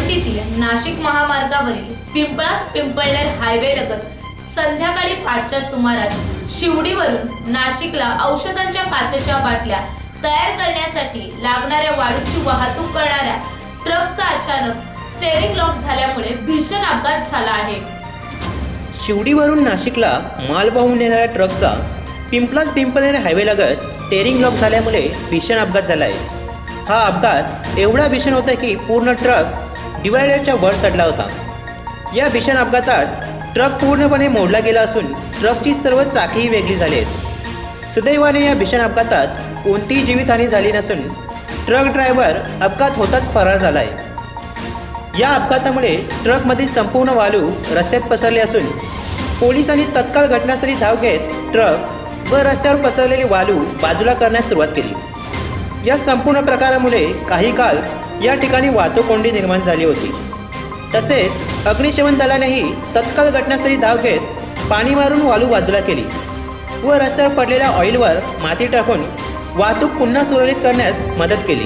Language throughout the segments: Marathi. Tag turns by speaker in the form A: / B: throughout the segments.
A: सिटीतील नाशिक महामार्गावरील पिंपळास पिंपळनेर हायवे लगत संध्याकाळी 5च्या सुमारास शिवडीवरून नाशिकला औषधांच्या काचेच्या बाटल्या तयार करण्यासाठी लागणाऱ्या वाळूची वाहतूक करणाऱ्या ट्रकचा अचानक स्टेअरिंग लॉक झाल्यामुळे भीषण अपघात झाला आहे।
B: शिवडीवरून नाशिकला माल वाहून नेणाऱ्या ट्रकचा पिंपळास पिंपळनेर हायवे लगत स्टेअरिंग लॉक झाल्यामुळे भीषण अपघात झाला आहे। हा अपघात एवढा भीषण होता की पूर्ण ट्रक डिवायडरच्या वर चढला होता। या भीषण अपघातात ट्रक पूर्णपणे मोडला गेला असून ट्रकची सर्व चाकेही वेगळी झाली आहेत। सुदैवाने या भीषण अपघातात कोणतीही जीवितहानी झाली नसून ट्रक ड्रायव्हर अपघात होताच फरार झाला आहे। या अपघातामुळे ट्रकमधील संपूर्ण वाळू रस्त्यात पसरली असून पोलिसांनी तत्काळ घटनास्थळी धाव घेत ट्रक व रस्त्यावर पसरलेली वाळू बाजूला करण्यास सुरुवात केली। या संपूर्ण प्रकारामुळे काही काळ या ठिकाणी वाहतूक कोंडी निर्माण झाली होती। तसेच अग्निशमन दलानेही तत्काळ घटनास्थळी धाव घेत पाणी मारून वाळू बाजूला केली व रस्त्यावर पडलेल्या ऑइलवर माती टाकून वाहतूक पुन्हा सुरळीत करण्यास मदत केली।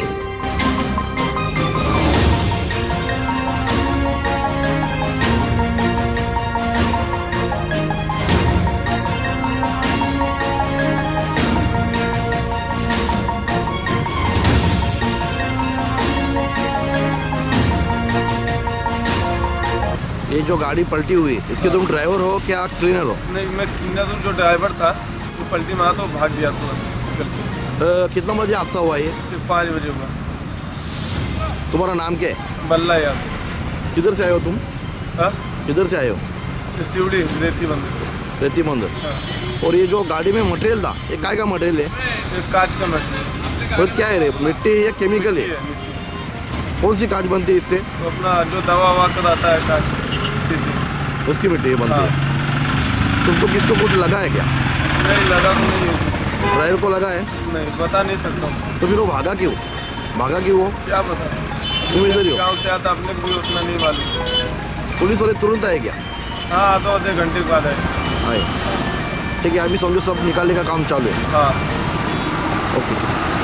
C: ये जो गाड़ी पलटी हुई इसके तुम ड्राइवर हो क्या क्लीनर हो?
D: नहीं, मैं क्लीनर हूँ। जो ड्राइवर था वो पलटी मारा तो भाग गया तो
C: कितना बजे हादसा हुआ ये?
D: 5 बजे हुआ।
C: तुम्हारा नाम क्या है?
D: बल्ला यार।
C: किधर से आए हो तुम?
D: हाँ,
C: किधर से आए हो?
D: सिवड़ी रेती बंद।
C: रेती मंदिर।
D: हाँ।
C: और ये जो गाड़ी में मटेरियल था ये काय का मटेरियल है?
D: एक कांच का मटेरियल।
C: और क्या है रे, मिट्टी है या केमिकल है? कौन सी कांच बनती है इससे?
D: तो अपना जो दवा ववा कराता है कांच शीशी,
C: उसकी मिट्टी बनती
D: हाँ।
C: है। तुमको किसको कुछ लगा है क्या?
D: नहीं लगा तो नहीं है।
C: ड्राइवर को लगा है?
D: नहीं बता नहीं सकता हूँ।
C: तो फिर वो भागा क्यों? भागा क्यों वो?
D: क्या पता।
C: तुम इधर ही हो?
D: गाँव से आता अपने को भी उतना नहीं मालूम।
C: पुलिस वाले तुरंत आए क्या?
D: हाँ, आधे घंटे बाद आए।
C: आए। ठीक है, अभी समझो सब निकालने का काम चालू है।
D: हाँ।
C: ओके।